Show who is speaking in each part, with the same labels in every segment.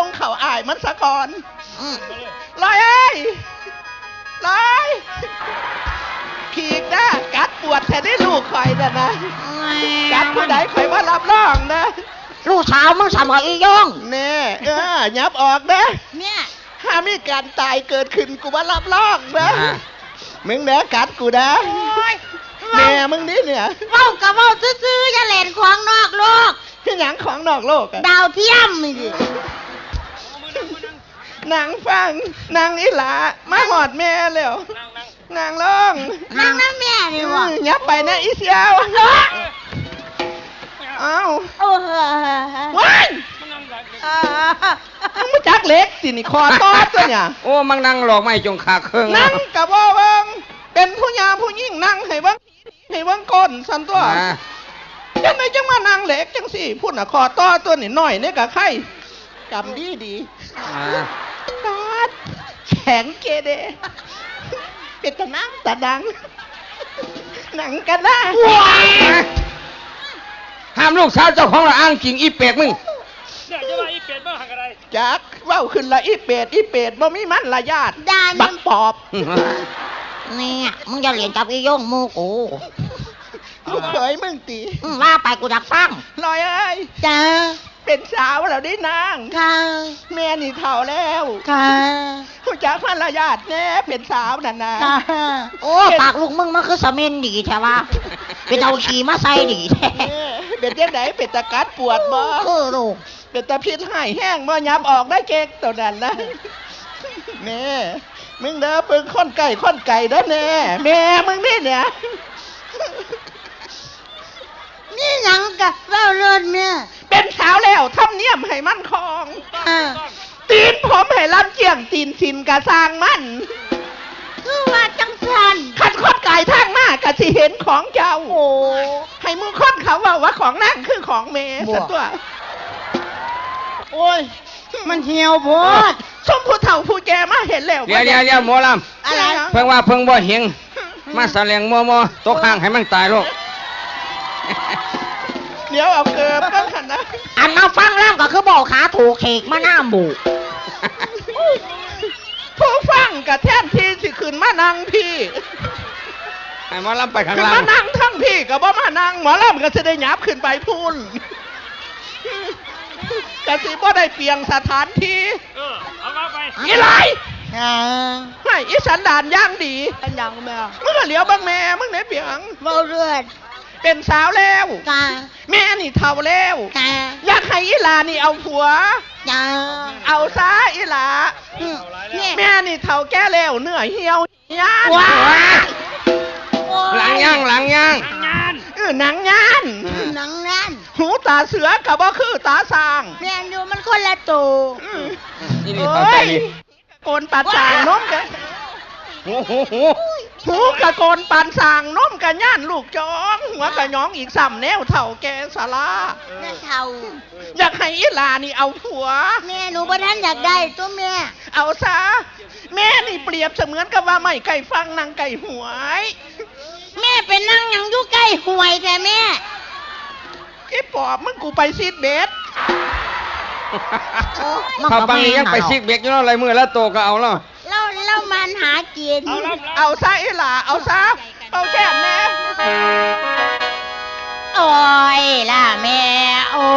Speaker 1: ส่งเข่าอายมันสะก่อนลอยเอ้ยลอยขีกนะกัดปวดแทนได้ลูกคอยนะกัดผู้ใดคอยว่ารับรองนะ
Speaker 2: ลูกสาวมึงสมัยอีย่อง
Speaker 1: เน่ยับออกนะ
Speaker 2: เนี่ย
Speaker 1: ถ้ามีการตายเกิดขึ้นกูว่ารับรองนะมึงเนื้อกัดกูนะแม่มึงนี่เนี่ย
Speaker 2: เว้ากับเว้าซื่อๆอย่าเล่นของนอกโลก
Speaker 1: ที่หนังของนอกโลก
Speaker 2: ดาวเทียมนี่ดิ
Speaker 1: นางฟังนางอีหลามาหอดแม่แล้วนางร้อง
Speaker 2: นางน้าแม่นี่วะ
Speaker 1: ยับไปนะอีเสียวเอ้าว้ายมึงมาจักเล็กสินี่คอตอดตัวเนี่ย
Speaker 3: โอ้มังนั่งหลอกไม่จงขาเครื่อง
Speaker 1: นั่งกับว่าเบิ้งเป็นผู้ยามผู้ยิ่งนั่งให้เบิ้งให้เบิ้งก้นสันตัวยังไงจังมานั่งเล็กจังสิพูดน่ะคอตอดตัวนี่หน่อยเนี่ยกับไข่กำดีตอดแข็งเกเดเป็นตะน้ำตะดังหนังกันได้
Speaker 3: ห้ามลูกสาวเจ้าของละอ้างจริงอีเป็ดมึง
Speaker 4: เนี่ยจะว่าอีเป็ดบ้างอะไร
Speaker 1: จักว่าขึ้นละอีเป็ดบ่มีมันละญาติบักปอบ
Speaker 2: เนี่ยมึงจะเรียนจับอีย่องมูกู
Speaker 1: ลูกเคยมึงตี
Speaker 2: ว่าไปกูดักฟัง
Speaker 1: ลอยเอ้ย
Speaker 2: จ้า
Speaker 1: เป็นสาวแล้วได้นาง
Speaker 2: ค่ะ
Speaker 1: แม่นี่เฒ่าแล้ว
Speaker 2: ค่ะ
Speaker 1: ผู้จักมันละญาติแน่เป็นสาวนั่นนะ
Speaker 2: โอ้ปากลูกมึงมันคือสมินดีใช่ปะเป็นเอาขี่มาใส่ดีแท้
Speaker 1: เป็นยังไงเป็นตะกัดปวดบ่
Speaker 2: ลูก
Speaker 1: เป็นตะพิษหายแห้งบ่ยับออกได้เก๊กตัวนั้นนะแม่มึงเด้อปึงค้นไก่เด้อแม่มึงนี่เนี่ย
Speaker 2: นี่หยังกะเล่าเลื่อนเนี่ย
Speaker 1: เป็นสาวแล้วทำเนียมให้มันคองตีนผมให้ลำเจียงตีนสินกะสร้างมัน
Speaker 2: คือว่าจังสัน
Speaker 1: ขัดค้นไก่ทางหน้ากะสิเห็นของเจ้าโอ้ให้มึงค้นเขาว่าของนั่งคือของแม่สัตว์ตัว
Speaker 2: โอ้ยมันเหี่ยวโพด
Speaker 1: ชมผู้เฒ่าผู้แก่มาเห็นแล้ว
Speaker 3: เดี๋ยวหมอลำ
Speaker 2: อะไร
Speaker 3: เพิ่งว่าเพิ่งบ่เห็นมาแสลงมัวตกข้างให้มันตายลูก
Speaker 1: เดี๋ยวเอาเกิบกันขันนะ
Speaker 2: อันเอาฟังแล้วก็คือบอกขาถูกเขกมาหน้าหมู
Speaker 1: ผู้ฟังกับแท่นที่สิขึ้นมานั่งพี่
Speaker 3: ไอ้หมอลำไปข้าง
Speaker 1: ล่างขึ้นมานั่งทั้งพี่กับบ่มานั่งหมอลำก็จะได้หยับขึ้นไปพูนกะสิบ่ได้เปลี่ยนสถานที่
Speaker 4: เอาเข้าไป
Speaker 1: อีไรไม่อีสันดานย่างดี
Speaker 2: ยังแม่
Speaker 1: มึงก็เหลียวบ้างแม่มึงไหนเปียง
Speaker 2: เมาเลือด
Speaker 1: เป็นสาวแล้วแม่นี่เฒ่าแล้วอยากให้อีหลานี่เอาผัวเอาซะอีหลาแม่นี่เฒ่าแก่แล้วเนื้อเหี่ยวย่าน
Speaker 3: หลังย่าง
Speaker 1: หนังย่านหูตาเสือกับบ่คือตาสร้าง
Speaker 2: แม่นอยู่มันคนละตัว
Speaker 1: โอ้ยโกนปัดสางน้มกันหูกะโกนปันสางน้มกันย่านลูกจ้องหัวกะย้องอีกซ้ำแนวเฒ่าแก่สารา
Speaker 2: แม่เฒ่า
Speaker 1: อยากให้อีหลานี่เอาผัว
Speaker 2: แม่หนูบ่ทันอยากได้ตัวแม่
Speaker 1: เอาซะแม่นี่เปรียบเสมือนกับว่าไม่ไก่ฟังนางไก่หวย
Speaker 2: แม่เป็นนั่งยังอยู่ใกล้หวยแต่แม่
Speaker 1: ไอ้ปอบมึงกูไปซีดเบส
Speaker 3: เขาบางนี้ยังไปซีดเบสอยู่อะไรมือแล้วโตก็เอาแล้ว
Speaker 2: เรามันหากิน
Speaker 1: เอาซะไอ้หล่าเอาซะเอาแค่แม่
Speaker 2: โอ้ยล่ะแม่โอ้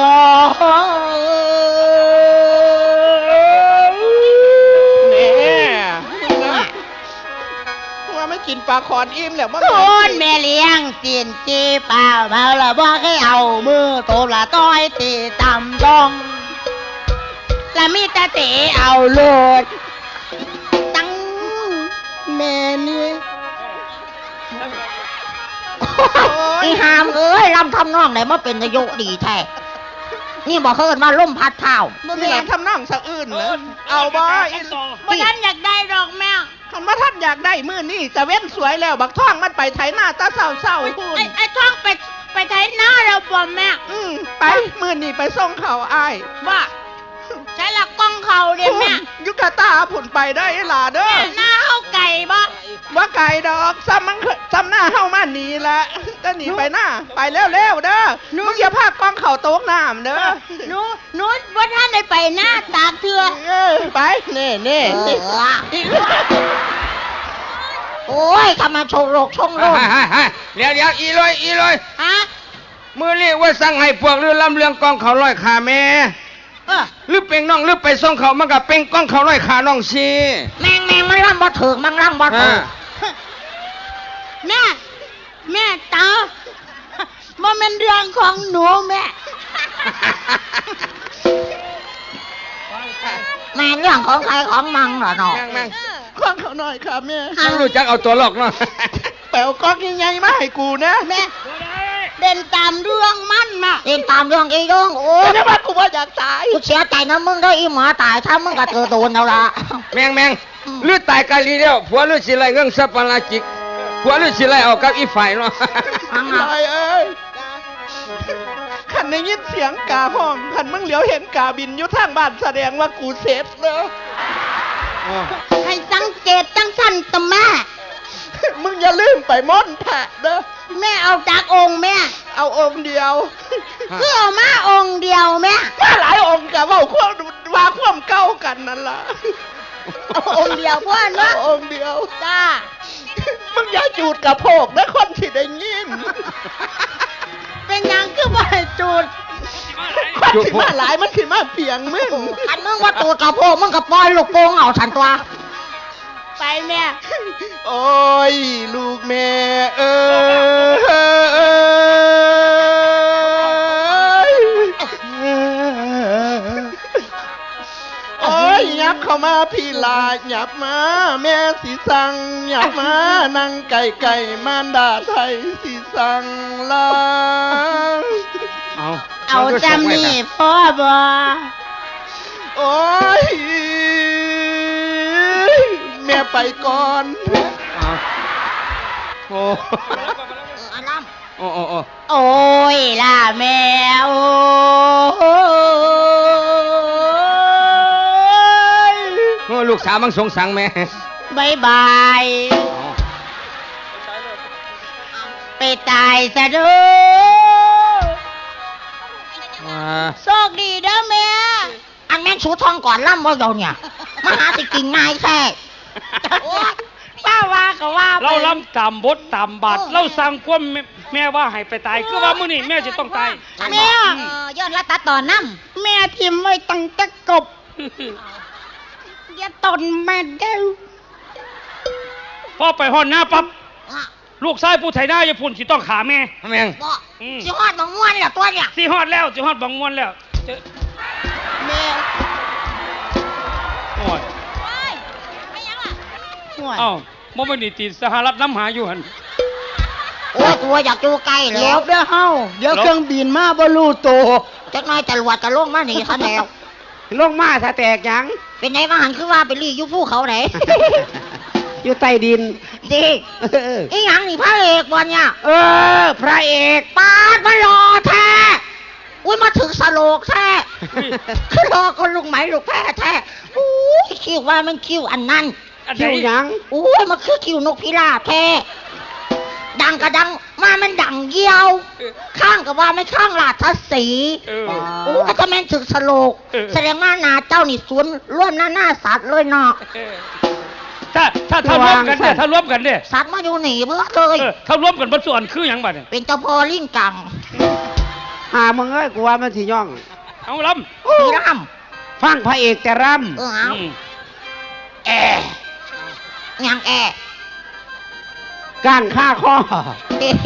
Speaker 1: ไม่กินปลาคอนอิ่มแล้วมั้ง
Speaker 2: คนแม่เลี้ยงตีนจีเปล่าเมาละบ่ให้เอามือโตละต้อยตีต่ำลงละมีแต่เตะเอาโลดตั้งแม่นี่อีหามเอ้ยลำทำนองไหนมาเป็นนายกดีแท้นี่บอกเฮิร์นว่าล่มพัดเท้า
Speaker 1: นี่ทำนองสะอื้นเหรอเอาบ่อี
Speaker 2: บ่ท่านอยากได้ดอกแม่
Speaker 1: คันว่าท่านอยากได้มื้อนี่จะเว้นสวยแล้วบักท่องมันไปไถหน้าตาเศร้าๆพูน
Speaker 2: ไอ้ท่องไปไถหน้าเราบ่แม่
Speaker 1: ไปมื้อนี่ไปส่งเขาอ้าย
Speaker 2: ว่าใช้หลักกล้องเขาเด้แม่
Speaker 1: ยุกตาผุ่นไปได้หล่าเด้อ
Speaker 2: หน้าเฮาไก่บ่
Speaker 1: ว่าไก่ดอกซ้ำหน้าเฮามาหนีละจะหนีไปหน้าไปเร็วเด้อมึงอย่าพากกล้องเขาโต๊ะน้ำเด้อ
Speaker 2: หนูว่าท่านได้ไปหน้าตา
Speaker 1: เน่เน่
Speaker 2: โอ้ยทำไมโชงโรกชงโรน
Speaker 3: เดี๋ยวอีลอย
Speaker 2: ฮะ
Speaker 3: มือเรียกว่าสั่งให้พวกเรือลำเรืองกองเขาร้อยขาแม่หรือเป็นน้องหรือไปส่งเขามันกับเป็นกองเขาร้อยขาน้องสิ
Speaker 2: แมงมันร่ำบ่ถึกมันร่ำบ่ถึกแม่ตามันเป็นเรื่องของหนูแม่เรื่องของใครของมังเหรอเนาะ
Speaker 3: แม่ง
Speaker 1: ข้างเขาหน่อยค่ะแม่
Speaker 3: ต้องรู้จักเอาตัวหลอกเนาะ
Speaker 1: แปลวก๊อกใหญ่ๆมาให้กูนะ
Speaker 2: แม่เด่นตามเรื่องมันมาเด่นตามเรื่องไอ้ย่องโอ้
Speaker 1: แต่ถ้าว่ากูว่าอยากตาย
Speaker 2: กูเสียใจนะมึงได้อีหมอตายถ้ามึงก็เจอโดนแล้วล่ะ
Speaker 3: แม่งหรือตายกาลีเดียวผัวหรือสิไรเงื่องสับปะราจิกผัวหรือสิไรเอากับอีฝ่ายเนาะ
Speaker 1: ลอยเอ้ยขันได้ยินเสียงกาห้องขันมึงเหลียวเห็นกาบินอยู่ทางบ้านแสดงว่ากูเสร็จเนอะ
Speaker 2: ให้สังเกตจังสั้นตะแม่
Speaker 1: มึงอย่าลืมไปม่อนแผะเด้อ
Speaker 2: แม่เอาจากองค์แม่
Speaker 1: เอาองค์เดียว
Speaker 2: คือเอามาองค์เดียวแม่
Speaker 1: ถ้าหลายองค์กะว่าความเก้ากันนั่นล่ะ
Speaker 2: เอาองค์เดียวพ่อ
Speaker 1: เอา
Speaker 2: เนาะ
Speaker 1: องค์เดียว
Speaker 2: จ้า
Speaker 1: มึงอย่าจูดกระโพกนะคนที่ได้ยิน
Speaker 2: เป็นหยังคือบ่ให้จูด
Speaker 1: คนที่มาหลายมันขึ้นมาเปียงมึง
Speaker 2: อันมึงว่าตูดกระโปงมึงกับปล่อยลูกโป่งเอาฉันตัวไปแม่
Speaker 1: โอ้ยลูกแม่เอ้ยโอ้ยยับเข้ามาพี่ลาหยับมาแม่สีสังหยับมานั่งไก่มารดาไทยสีสังลา
Speaker 2: เอาจำนี่พ่อบ่
Speaker 1: โอ้ยแม่ไปก่อน
Speaker 3: โอ้
Speaker 2: อันนั้น
Speaker 3: โอ้
Speaker 2: โอ้ยล่ะแม่โอ้ย
Speaker 3: ลูกสาวมังสงสังแม่
Speaker 2: บายบาย ไปตายซะเด้อโชคดีเด้อแม่อันแม่นสูทองก่อนล่ำว่าเดี๋ยวเนี่ยมาหาสิกินง่ายแท้โอ๊ยป้าว่าก็ว่าไป
Speaker 4: เราล้ำต่ำบดต่ำบาดเราสั่งความแม่ว่าให้ไปตายคือว่ามื้อนี้แม่จะต้องตาย
Speaker 2: แม่ย้อนละตัดต่อน้ำแม่ทิมไว้ตั้งแต่กบอย่าตนแม่เด้อ
Speaker 4: พอไปฮอดหน้าปั๊บลูกชายผู้ไถนาอย่าพุ่นสิต้องขาแม่
Speaker 3: แม่ง
Speaker 2: บ่สิฮอดบางม่วนเหรอตัวเนี่ย
Speaker 4: สิฮอดแล้วสิฮอดบังมวนแล้วเจอ
Speaker 2: แม่
Speaker 4: โอ้ย
Speaker 2: ไม่ยังล่ะ
Speaker 4: เอ้าบ่แม่นนี่ติดสหรัฐน้ำหาอยู่หั่น
Speaker 2: โอ้ยตัวอยากอยู่ใกล้
Speaker 1: แล้
Speaker 2: แล้ว ว
Speaker 1: เด้อเฮาเดี๋ยวเครื่องบินมาบ่รู้โต
Speaker 2: จักหน่อยจรวดจะลงมาหนีซะแล้ว
Speaker 1: ลงมาถ้าแตกยัง
Speaker 2: เป็นไงมาหันคือว่าไปรีอยู่ภูเขาไหน
Speaker 1: อยู่ใต้ดิน
Speaker 2: ดิอีหยังนี่พระเอกบอลเนี่ย
Speaker 1: พระเอก
Speaker 2: ปาดมารอแท้อุ้ยมาถึงสโลกแท้คือรอคนลูกไหมลูกแพ้แท้อุ้ยคิวว่ามันคิวอันนั้น
Speaker 4: อันไหน
Speaker 1: คิวหยัง
Speaker 2: อุ้ยมันคือคิวนกพิราบแท้ดังกระดังมามันดังเยี่ยว ข้างกับว่าไม่ข้างลาดทัศสี โอ้ถ้าแม่นถึงสโลกแสดงว่านาเจ้านี่สวนร่วมหน้าสัตว์เลยเนาะ
Speaker 4: ถ้ารวมกันเนี่ยถ้ารวมกันเนี่ย
Speaker 2: สัตว์มาอยู่หนีเบื่อเลย
Speaker 4: ถ้ารวมกันบ่ส่วนคือหยังบัดเนี่ย
Speaker 2: เป็นเจ้าพ่อลิงกัง
Speaker 1: หามึงเอ้ยกูว่ามันสิย่อง
Speaker 4: เอาล้
Speaker 2: สีร
Speaker 1: ฟังพระเอกแต่ร
Speaker 2: ำเอา
Speaker 4: ำ
Speaker 2: แอยังแอ
Speaker 1: ำก้านฆ่าคอ
Speaker 2: เฮ้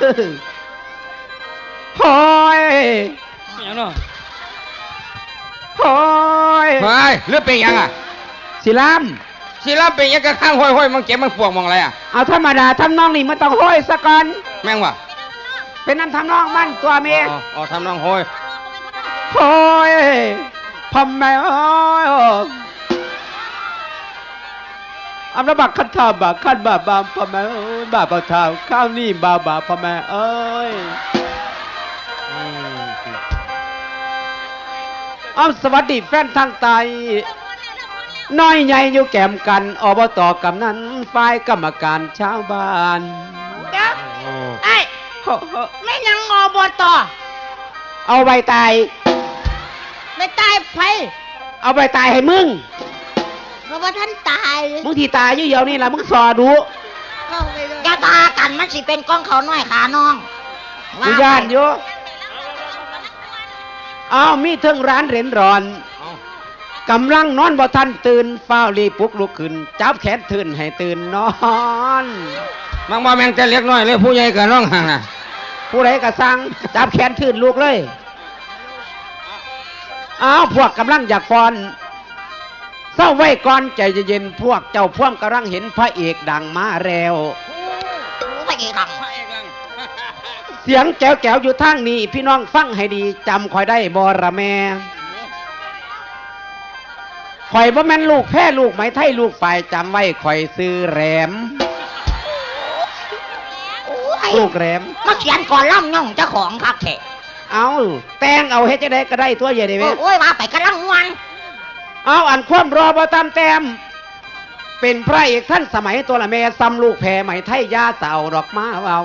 Speaker 1: โอ้ย
Speaker 4: หยังเนาะ
Speaker 1: โอ้ย
Speaker 3: ไปหรือเป็นยังอ่ะ
Speaker 1: สิล
Speaker 3: สิรับเป็นยังกระข้างห้อยมันเจ็บมันปวดมองอะไรอ่ะ
Speaker 1: ำเอาธรรมดาทำนองนี่มันต้องห้อยซะก่อน
Speaker 3: แม่งวะ
Speaker 1: เป็นน้ำทำนองมันตัวเมีย
Speaker 3: อ๋อทำน้องห้อย
Speaker 1: โอ้ยทำไมโอ้ยอันระบักขันทาบักขันบาบามพะแม่เอ้ยบาปะทาวข้าวนี่บาบาพะแม่เอ้ยสวัสดีแฟนทางไตน้อยใหญ่อยู่แก้มกันอบตกำนันฝ่ายกรรมการชาวบ้าน
Speaker 2: เดี๋ยวไอ้ไม่ยังอบต
Speaker 1: เอาใบตาย
Speaker 2: ไม่ตายไผ
Speaker 1: เอาใบตายให้มึง
Speaker 2: ราะว่าท่านตาย
Speaker 5: มึงที่ตายอยู่เดียวนี่ล่ะมึงสอดู
Speaker 2: อย่าตากันมันสิเป็นกองเขาน้อยขาน้อง
Speaker 5: กูย่านอยู่อ้าวมีเทิงร้านเหรนร้อนกำลังนอนบ่ทันตื่นฟ้าวรีบปลุกลุกขึ้นจับแขนตื่นให้ตื่นนอน
Speaker 3: มังบ่แม่งแต่เล็กน้อยเลยผู้ใหญ่กับน้องห่างน่ะ
Speaker 5: ผู้ใดก็สั่งจับแขนตื่นลูกเลยอ้าวพวกกำลังอยากฟ้อนเศร้าไว้ก่อนใจเย็นๆพวกเจ้าพ่วงกำลังเห็นพระเอกดังมาแล้ว
Speaker 2: พระเอกดัง
Speaker 5: เสียงแจ๋วๆอยู่ทางนี้พี่น้องฟังให้ดีจำคอยได้บอระแม่ข่อยบ่แม่นลูกแพ้ลูกไหมไทยลูกฝ่ายจำไว้ข่อยซื้อแหลมลูกแหลม
Speaker 2: มาเขียนก่อนล่ำย่องเจ้าของคักแท้
Speaker 5: เอาแต่งเอาเฮ็ดจะได้ก็ได้ตัวใหญ่ได้ไหม
Speaker 2: โอ้ยว่าไปกำลังวัน
Speaker 5: เอาอันความรอบ่ตามแต้มเป็นพระเอกท่านสมัยตัวละแม่ซ้ำลูกแพ้ไหมไทยยาเต่าดอกมาเอา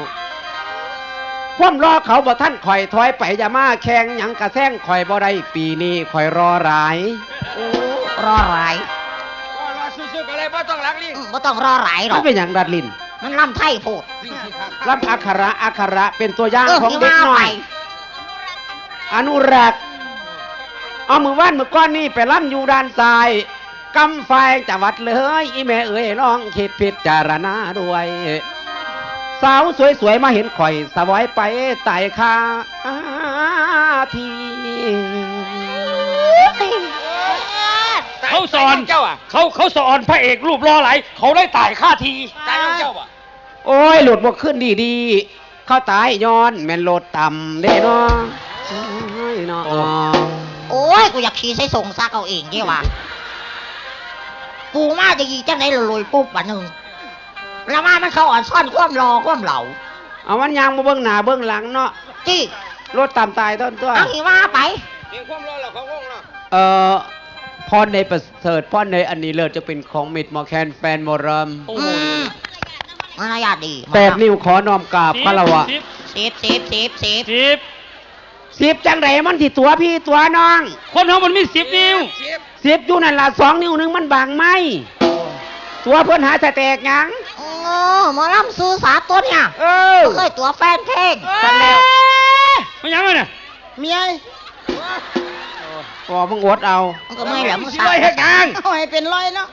Speaker 5: ความรอเขาบ่ท่านข่อยถอยไปอย่ามาแข่งหยังกระแซงข่อยบ่ได้ปีนี้ข่อยรอหลาย
Speaker 2: รอหลาย
Speaker 3: รอสู้ๆกันเลยบ่ต้องรักลิง
Speaker 2: บ่ต้องรอหลายหร
Speaker 5: มั
Speaker 2: อน ก
Speaker 5: เป็นอย่างดัดลิน
Speaker 2: มันล่ำไทยโพด
Speaker 5: รับอักขระเป็นตัวอย่างของเด็กน้อยอนุรักษ์เอามือว่านมือก้อนนี่ไปล่ำอยู่ด้านซ้ายกำไฟจังหวัดเลยอีแม่เอ๋ยลองคิดพิจารณาด้วยสาวสวยๆมาเห็นข่อยสวอยไปไต่คาที
Speaker 4: เขาสอน
Speaker 3: เจ้าอ่ะ
Speaker 4: เขาสอนพระเอกรูปรอไหลเขาได้ตายค่าที
Speaker 3: ตายน้องเจ้าอ่ะ
Speaker 5: โอ้ยหลุดบกขึ้นดีๆเข้าตายย้อนแม่นโลดต่ำเด้เนาะโอ้ยเนาะ
Speaker 2: โอ้ยกูอยากขี่ใส่ส่งซักเอาเองดีว่ากูมาจะยีจังไหนลอยปุ๊บวันหนึ่งแล้วมามันเขาอ่อนซ่อนความรอความเหล่า
Speaker 5: เอามันยางมาเบื้องหน้าเบื้องหลังเนาะ
Speaker 2: จี้
Speaker 5: รถตามตายต้นตัว
Speaker 2: เอาอีว่าไป
Speaker 3: เพียงความรอเราของวงเนาะ
Speaker 5: พรในประเสริฐพรในอันนี้เลิศจะเป็นของมิตรหมอแคนแฟนมอรัม
Speaker 4: โอ้
Speaker 2: อื
Speaker 4: โห
Speaker 2: มมารยาทดี
Speaker 5: 8 นิ้วขอน้อมกราบพระละวะ
Speaker 2: สิบ
Speaker 5: 10จังไรมันที่ตัวพี่ตัวน้อง
Speaker 4: คนเขามันมี10 นิ้ว
Speaker 5: 10อยู่นั่นล่ะ2 นิ้วหนึงมันบางไหมตัวเพิ่นหาสแตกหยัง
Speaker 2: โอ้หมอลำซื้อสาตัวเนี่ย
Speaker 5: เออ
Speaker 2: เคยตัวแฟนเพลง
Speaker 5: กันแล้ว
Speaker 4: มันยังไงเนี่ย
Speaker 2: เมีย
Speaker 5: ก็มึงอดเอา
Speaker 2: มันก็ไม่แหลม
Speaker 3: สิร้อยเฮ็ดหยัง
Speaker 2: เอาให้เป็นร้อยเนาะ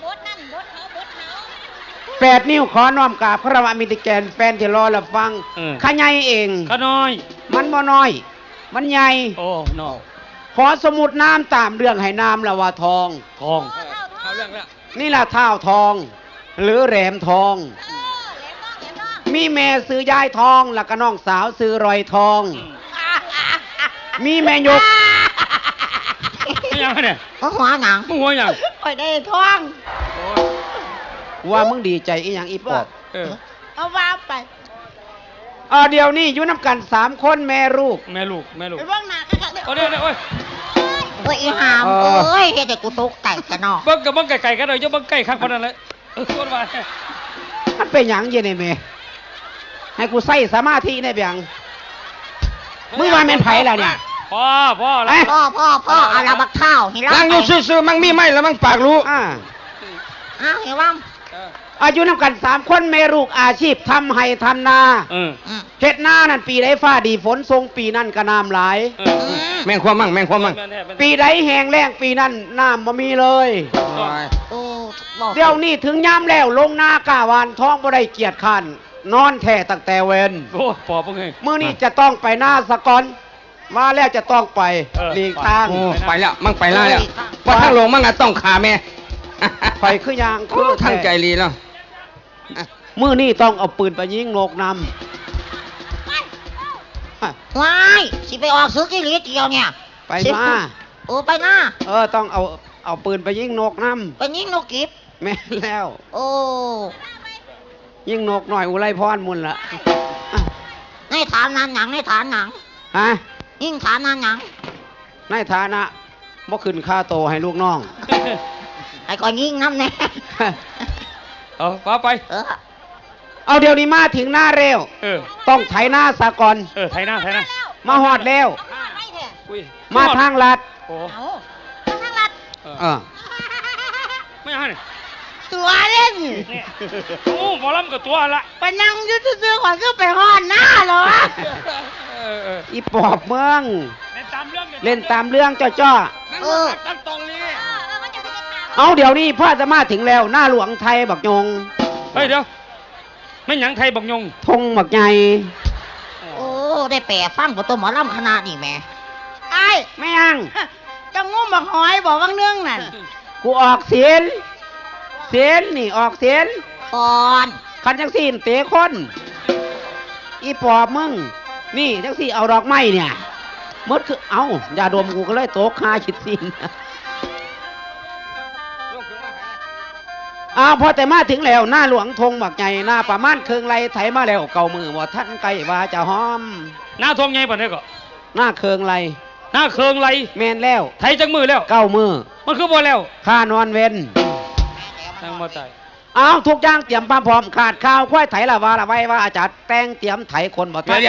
Speaker 5: 8 นิ้วขอน้อมกราบพระละวะมิตรแกนแฟนที่รอรับฟังข้าใหญ่เอง
Speaker 4: ข้าน้อย
Speaker 5: มันบ่น้อย มันใหญ่
Speaker 4: โอ้นอ
Speaker 5: ขอสมุดน้ำตามเรื่องให้น้ำละว่าทอง
Speaker 4: ทอง
Speaker 3: เข้าเรื่องแล้ว
Speaker 5: นี่ล่ะเท่าทอง หรือแหลมทอง มีแม่ซื้อยายทองแล้วก็น้องสาวซื้อรอยทอง มีแม่ยก
Speaker 4: มันยังไงเนี่ย
Speaker 2: ก็หัวหนัง
Speaker 4: มึงหัวยัง
Speaker 2: คอยได้ท้อง
Speaker 5: ว่ามึงดีใจอีหยังอีปอบ
Speaker 4: เออ
Speaker 2: เอาว่าไป
Speaker 5: เดี๋ยวนี้อยู่น้ำกัน3 คนแม่ลูก
Speaker 4: แม่ลูก
Speaker 2: ไปเบ้างหน้ากัน
Speaker 4: โอ้เดี๋ยวโอ้ย
Speaker 2: เฮ้ยอีหามเอ้ยเฮ็ดให้กูตกใจกันเนาะ
Speaker 4: เบิ้งกับเบิ้งไก่กันเลยจะเบิ้งไก่ข้างคนนั้นเลยส่วนว่า
Speaker 5: มันเป็นหยังเย็นไอ้แม่ให้กูใส่สมาธิได้เปียงมึงว่าแม่นไผล่ะเนี่ย
Speaker 4: พ่อแล้ว
Speaker 2: พ่อเอาละบักข้าวให้เรา
Speaker 3: นั่งอยู่ซื่อๆมั่งมีไหมแล้วมั่งปากรู้
Speaker 2: อ้าวเห็นว่า
Speaker 5: อายุน้ำกัน3 คนแม่ลูกอาชีพทำไห้ทำนา เฮ็ดนานั่นปีใดฟ้าดีฝนทรงปีนั่นก็น้ำหลาย
Speaker 3: แม่งความมั่งแม่งความมั่ง
Speaker 5: ปีใดแห้งแล้งปีนั้นน้ำบ่มีเลย
Speaker 2: โอ้
Speaker 5: เดี๋ยวนี้ถึงยามแล้วลงนากาวานท้องบ่ได้เกียรติขันนอนแท้ตั้งแต่เวน
Speaker 4: โอ้ปอบไง
Speaker 5: มื้อนี้จะต้องไปหน้าสะก่อนมาแล้วจะต้องไปหลีกทาง
Speaker 3: โอ้ไปแล้วมั่งไปแล้วเนี่ยว่าทางลงมั่งอะต้องขาแม่
Speaker 5: ไปคือยาง
Speaker 3: โอ้ทางใจรีแล้ว
Speaker 5: มื้อนี้ต้องเอาปืนไปยิงนกนำ
Speaker 2: ว้ายสิไปออกซื้อกิริเดียวเนี่ย
Speaker 5: ไปมา
Speaker 2: โอ้ไปหน้า
Speaker 5: ต้องเอาปืนไปยิงนกนำ
Speaker 2: ไปยิงนกกิบ
Speaker 5: แม่นแล้ว
Speaker 2: โอ้
Speaker 5: ยิงนกหน่อยอุไรพรมุนละ
Speaker 2: ในฐานนั้นหยังในฐานหยัง
Speaker 5: ฮะ
Speaker 2: ยิ่งฐานนั้นหยัง
Speaker 5: ในฐานะบ่ขึ้นค่าโตให้ลูกน้อง
Speaker 2: ไอ้ก่อนยิงน้ำแน่
Speaker 4: เอาว่าไป
Speaker 5: เอาเดี๋ยวนี้มาถึงหน้าเร็ว ต้องไถหน้าสะก่อน
Speaker 4: ไทยหน้า
Speaker 5: มาหอดแล้ว
Speaker 4: อุ้ย
Speaker 5: มาทางลัด
Speaker 4: โอ้
Speaker 2: ทางลัด
Speaker 5: เออ
Speaker 4: ไม่ยังเนี่ย
Speaker 2: ตัวเล่น
Speaker 4: เนี่ยโอ้หมอลำกับตัวละ
Speaker 2: ไปนั่งอยืดซื้อๆก่อนก็ไปห้อนหน้าเหรอ
Speaker 5: อีปอบเมือง
Speaker 4: เล่นตามเรื่อง
Speaker 5: เล่นตามเรื่องจ้อ
Speaker 4: ตั้งตรงนี้
Speaker 5: ๆเอาเดี๋ยวนี้พ่อจะมาถึงแล้วหน้าหลวงไทยบักยง
Speaker 4: เฮ้ยเดี๋ยวไม่หยังไทยบักยง
Speaker 5: ธงบักใหญ่
Speaker 2: โอ้ได้แปลฟังบ่ตัวหมอลำคณะนี่แม่ไอ้
Speaker 5: ไม่ยัง
Speaker 2: จะงุ้มบักหอยบอกว่างเนื่องนั่น
Speaker 5: กูออกเสียนนี่ออกเสียน
Speaker 2: ก่อน
Speaker 5: คันจังสี่เตะคนอีปอบมึงนี่จังสี่เอาดอกไม้เนี่ยมดคือเอาอย่าดมกูก็เลยโตกคาฉิดสินพอแต่มาถึงแล้วหน้าหลวงธงบักใหญ่หน้าประมาณเคืองไรไถมาแล้วเก่ามือบ่ท่านไก่ว่าจะหอม
Speaker 4: หน้าทองไงป่ะเนี่ยก็
Speaker 5: หน้าเคืองไร
Speaker 4: หน้าเคืองไร
Speaker 5: แมนแล้ว
Speaker 4: ไทยจังมือแล้ว
Speaker 5: เก้ามือ
Speaker 4: มันคือบ่แล้ว
Speaker 5: ข้านอนเว้น
Speaker 4: ตั้งมาใจ
Speaker 5: เอาทุกอย่างเตรียมความพร้อมขาดข้าวควายไถละว่าละไว้ว่าอาจารย์แต่งเตรียมไถคนบ่ทัน
Speaker 3: เดี๋ยว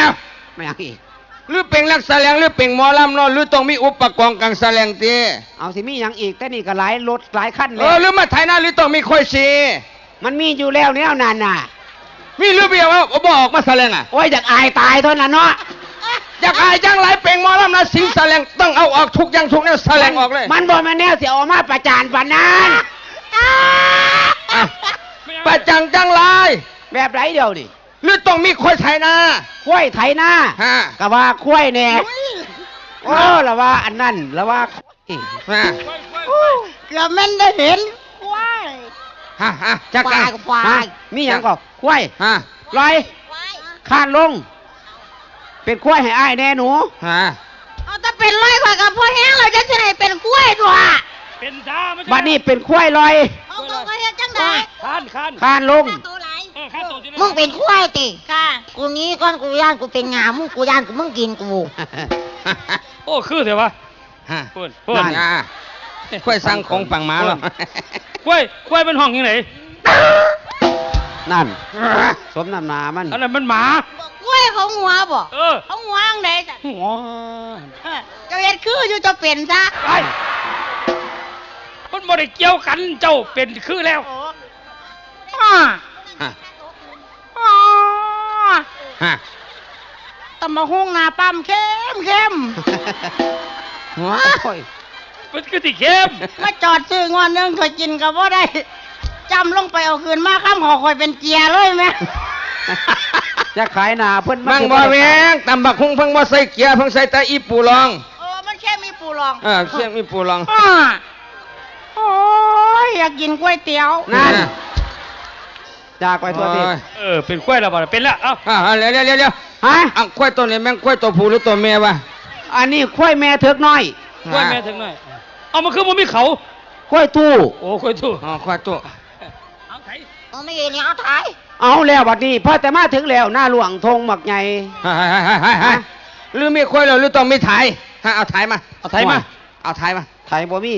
Speaker 5: ไม่อยากอีก
Speaker 3: หรือเป็นลักแสลงหรือเป็นหมอลำเนาะหรือต้องมีอุปกรณ์กลางแสลงตี
Speaker 5: เอาสิมีอย่างอีกแต่นี่ก็หลายรถหลายขั้น
Speaker 3: เอ
Speaker 5: แล้
Speaker 3: อ
Speaker 5: ว
Speaker 3: หรือมาไทยหน้าหรือต้องมีค่อยสี
Speaker 5: มันมีอยู่แล้วเนี่ยนานน่ะ
Speaker 3: มีหรือเปล่าว่าบอกมาแสลงอ่ะ
Speaker 5: โอ้ยอยากอายตายเท่านั้นเนาะ
Speaker 3: อยากอายจังไรเป็นหมอลำนะสิงแสลงต้องเอาออกทุกอย่างทุกแนวแสลงออกเลย
Speaker 5: มันบอกมาแน่เสียออกมาประจานปานนั้น
Speaker 3: อ่ะประจังจังไร
Speaker 5: แบบไรเดียวนี่
Speaker 3: หรือต้องมีค่อยไทยหน้า
Speaker 5: ควายไถหน้า
Speaker 3: ฮะ
Speaker 5: ก็ว่าควายแน่โอ้ละว่าอันนั้นละว่าควาย
Speaker 3: ฮะ
Speaker 2: เกือบแม่นได้เห็นควาย
Speaker 3: ฮะจัก
Speaker 2: ควา
Speaker 3: กั
Speaker 2: ย
Speaker 3: น
Speaker 2: ควา
Speaker 5: ฮะ
Speaker 2: ย
Speaker 5: มีอย่างก็ควาย
Speaker 3: ฮะ
Speaker 5: ลอยคานลง เป็นควายให้อ้ายแน่หนู
Speaker 3: ฮะ
Speaker 2: เอาถ้าเป็นร้อยกว่ากับพ่อแห้งเราจะสิให้เป็นกล้วยตัว
Speaker 4: เป็นจ้าไม่ใช่
Speaker 5: บัดนี้เป็นควายลอย
Speaker 2: เอาตัวก็เฮ็ดจังได
Speaker 4: คาน
Speaker 5: คานลง
Speaker 2: ตัวไหล
Speaker 4: คานตัวที่
Speaker 2: มึงเป็นควายติค่ะกูนี้ก่อนกูย่านกูเป็นงามึงกูย่านกูมึงกินกู
Speaker 4: โอ้คือเถอะวะ
Speaker 3: ฮะ
Speaker 4: เปิด
Speaker 3: อ่าค่อยสั่งของฝั่งหมาหรอก
Speaker 4: กล้วยเป็นห้องยังไง
Speaker 5: นั่น สมน้ำหนามัน
Speaker 4: อันนั้นมันหมา
Speaker 2: กล้วยเขาหัวบ่
Speaker 4: เออ
Speaker 2: เขาหัวอังไดจ้ะ
Speaker 4: หัว
Speaker 2: เจะเฮ็ดคืออยู่จะเป็นซะ
Speaker 4: ไอ้มันบ่ได้เกี่ยวกันเจ้าเป็นคือแล้ว
Speaker 2: อ้อ
Speaker 3: ฮะ
Speaker 2: อ้อ
Speaker 3: ฮะ
Speaker 2: ตำมะฮุ่งหน้าปั๊มเข้ม
Speaker 3: ว้า
Speaker 5: โอ้ย
Speaker 4: มันคือติเข้ม
Speaker 2: มาจอดซื้องอนนึงเคยกินก็บ่ได้จำลงไปเอาคืนมาข้ามหอคอยเป็นเกียร์เลยแม่
Speaker 5: จะขายหนาเพิ่น
Speaker 3: บังบ่แมงตำบักฮุงเพิ่งบ่ใส่เกียร์เพิ่งใส่แต่อีปูรอง
Speaker 2: มันแค่มีปูรอง
Speaker 3: เสียงมีปูรอง
Speaker 2: อ้อโอ้ยอยากกินก๋วยเตี๋ยว
Speaker 5: นั่นจากไปตัวที
Speaker 4: เป็นกล้วยแล้วบ่เป็นแล้วเอ้า
Speaker 3: เดี๋ยว
Speaker 5: ฮะ
Speaker 3: อังควายตัวนี้แม่งควายตัวผู้หรือตัวเมียวะ
Speaker 5: อันนี้ควายแม่เถิกน้อย
Speaker 4: กล้วยแม่ถึงหน่อยเอามันคือมันมีเขา
Speaker 5: ควายตู้
Speaker 4: โอ้กล้วยตู้
Speaker 3: อ๋อควายตัว
Speaker 4: เอาไถ
Speaker 2: ไม่เห็นนี่เอาถ่าย
Speaker 5: เอาแล้วบัดนี้พ่อแต่มาถึงแล้วหน้าหลวงธงหมักใหญ่
Speaker 3: หรือมีควายหรือต้องมีถ่ายเอาถ่ายมา
Speaker 4: เอาไถมา
Speaker 3: เอาถ่ายมา
Speaker 5: ไถบ่มี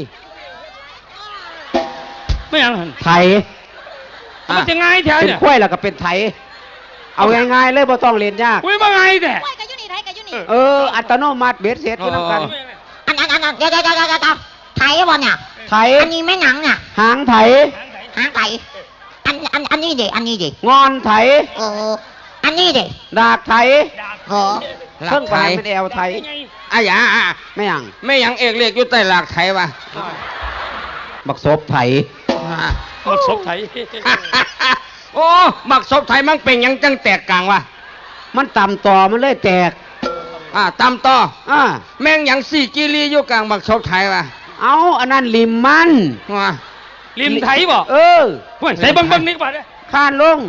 Speaker 4: ไม่ยังหัน
Speaker 5: ไถ
Speaker 4: มันจะง่ายแถว
Speaker 5: เป็น
Speaker 4: เนี่ย
Speaker 5: ควายแล้วก็เป็นไถ เอาง่ายๆเลยบ่ต้องเรียนยาก
Speaker 4: อุ้ยมาไงแต่
Speaker 2: ก๋วยกับยูนี่ไทยกับยูนี่
Speaker 5: อัตโนมัติเบ็ดเสร็จคือน้ำกัน
Speaker 2: อันเดี๋ยวไทยบ่เนี่ย
Speaker 5: ไถ
Speaker 2: อันนี้แม่หนังเนี่ย
Speaker 5: หางไถ
Speaker 2: หางไทยอันนี้ดิอันนี้ดิ
Speaker 5: งอนไถ
Speaker 2: อันนี้ดิ
Speaker 5: ดากไถ
Speaker 2: โอ้
Speaker 5: เครื่องปลายเป็นแอวไถ
Speaker 3: อย่า
Speaker 5: ไม่ยัง
Speaker 3: ไม่ยังเอกเรียกอยู่ใต้หลักไทยวะ
Speaker 5: บักศพไถ
Speaker 4: หมดศพไถ
Speaker 3: โอ้บักศพไทยมันเป็นยังจังแตกกลางวะ
Speaker 5: มันต่ำต่อมันเลยแตก
Speaker 3: ตามต่อ
Speaker 5: อ่า
Speaker 3: แม่งยังสี่กิรีอยู่กลางบักศพไทยวะ
Speaker 5: เอาอันนั้นลิมมัน
Speaker 3: ว้า
Speaker 4: ริมไถบ่
Speaker 5: เออ
Speaker 4: เฮ้ยใส่เบิ่งนี่ป่ะเนี่ย
Speaker 5: ข้านลง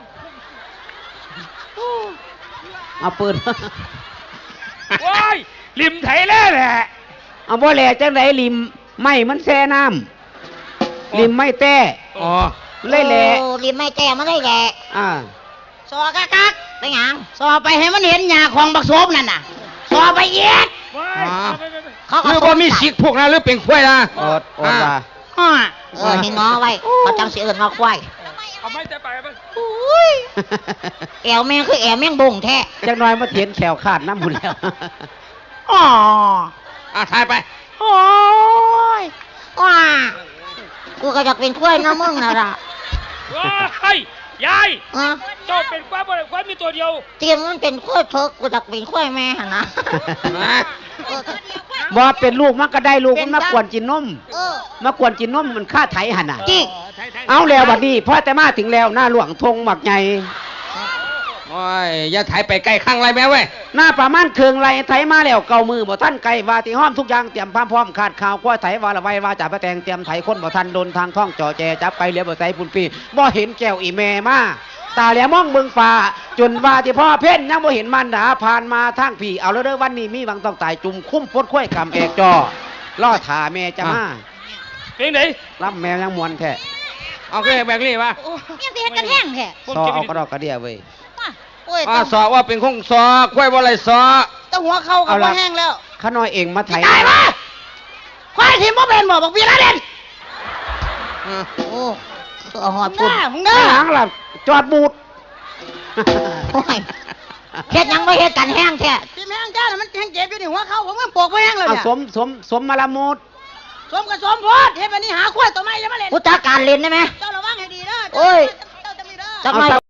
Speaker 5: เอาปืน
Speaker 4: ว้ายริมไถแล้วแหละ
Speaker 5: เอาบ่แหล่จังไดลิมไม่มันแช่น้ำลิมไม่แต้
Speaker 3: อ๋อ
Speaker 5: เลยแหล่
Speaker 2: ริมไม่แก่มันได้แหละ
Speaker 5: อ่า
Speaker 2: ซอกักเป็นหยังซอไปให้มันเห็นหญ้าของบักโซบนั่นน่ะซอไปเย็ด
Speaker 4: ว้ายไป
Speaker 2: เขา
Speaker 3: หรือว่ามีสิกพวกนั้นหรือเป็นควายนะ
Speaker 5: อดว่า
Speaker 2: ให้งอไว้เขาจังสิเอิ้นว่าควาย
Speaker 4: เอาไม่แต่ไปไป
Speaker 2: แอวแม่งคือแอวแม่งบ่งแท้
Speaker 5: จังน้อยมาเถียนแขวขาดน้ำบุญแล้ว
Speaker 2: อ๋อ
Speaker 3: ถ่ายไป
Speaker 2: โอ้ยว้ากูก็อยากเป็นข้วยนะมึงน่ะล่ะ
Speaker 4: ว้ายยาย
Speaker 2: อ่ะ
Speaker 4: เจ้าเป็นควายบ่ได้ควายมีตัวเดียว
Speaker 2: เตรียมมันเป็นข้วยเพิกกูอยากเป็นข้วยแม่หั่นนะเออ
Speaker 5: บ่เป็นลูกมันก็ได้ลูกมันมากวนกินนม
Speaker 2: เออ
Speaker 5: มากวนกินนมมันฆ่าไถหั่นน่ะ
Speaker 2: จิก
Speaker 5: เอาแล้วบัดนี้พ่อแต่มาถึงแล้วหน้าหลวงธงหมักใหญ่
Speaker 3: โอ้ยอย่าถ่ายไปใกล้ข้างไรแม่เว้ย
Speaker 5: หน้าประมาณเคืองไรไถมาแล้วเก่ามือบ่ท่านไก่ว่าที่ห้อมทุกอย่างเตรียมพร้อมขาดข่าวกล้วยไถว่าละไว้ว่าจ่าประแตงเตรียมไถคนบ่ทันโดนทางท่องจ่อแจจับไปเหลียวบ่ใส่ปุ่นปีบ่เห็นแก้วอีแม่มาตาแหลมมองเบิ่งฟ้าจนว่าที่พ่อเพ่นยังบ่เห็นมันดาผ่านมาทางพี่เอาแล้วเด้อวันนี้มีหวังต้องตายจุ่มคุ้มปดข้วยกำเอกจอล่อถ่าแม่จะมา
Speaker 4: เพลงไหน
Speaker 5: รับแมวยังมวนแท้
Speaker 3: เอาขึ้นแบกนี่วะ
Speaker 2: ยังสิเฮ็ดกันแห้งแท้
Speaker 5: ซอเอากระดอกกระเดียเว้ย
Speaker 2: โอ้ย
Speaker 3: สอว่าเป็นคงสอกล้วยบ่ไรสอ
Speaker 2: ต้องหัวเข้ากับบ่แห้งแล้ว
Speaker 5: ข้าน้อยเองมาไถ
Speaker 2: ตายมาควายที่บ่เป็นบ่บอกวีระเด่นโอ้ตัวหอดพุ่นมึงเด้
Speaker 5: ข้างหลังล่ะจอดบูด
Speaker 2: โอ้ยเฮ็ดหยังบ่เฮ็ดกันแห้งแท้ที่แห้งจ้าน่ะมันแห้งเจ็บอยู่นี่หัวเข้าผมมันปวกบ่แห้งเลย
Speaker 5: เอา
Speaker 2: เนี่ย
Speaker 5: สมมาละมุด
Speaker 2: สมกับสมโพดเฮ็ดแบบนี้หาควายตัวใหม่จะมาเล่นกูจักการเล่นได้ไหมเจ้าระวังให้ดีเด้อโอ้ยเจ้าจะมีเด้อจักหน่อย